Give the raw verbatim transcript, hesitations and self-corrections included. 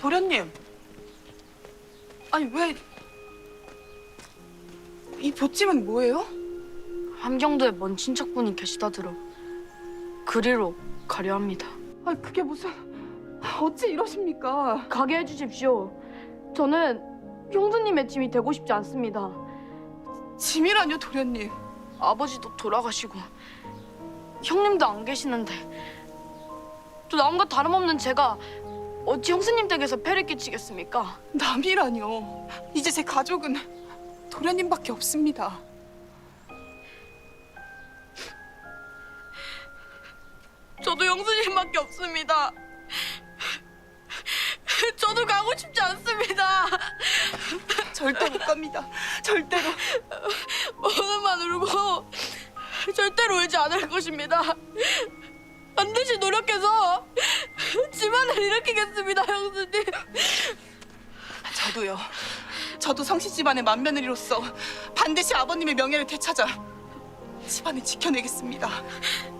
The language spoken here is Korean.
도련님. 아니 왜... 이 보찜은 뭐예요? 함경도에 먼 친척분이 계시다 들어 그리로 가려 합니다. 아니 그게 무슨... 어찌 이러십니까? 가게 해주십시오. 저는 형수님의 짐이 되고 싶지 않습니다. 짐이라뇨, 도련님. 아버지도 돌아가시고 형님도 안 계시는데 또 남과 다름없는 제가 어찌 형수님 댁에서 폐를 끼치겠습니까? 남이라뇨. 이제 제 가족은 도련님밖에 없습니다. 저도 형수님밖에 없습니다. 저도 가고 싶지 않습니다. 절대 못 갑니다. 절대로. 오늘만 울고 절대로 울지 않을 것입니다. 반드시 노력해서 집안을 일으키겠습니다, 형수님. 저도요. 저도 성씨 집안의 맏며느리로서 반드시 아버님의 명예를 되찾아 집안을 지켜내겠습니다.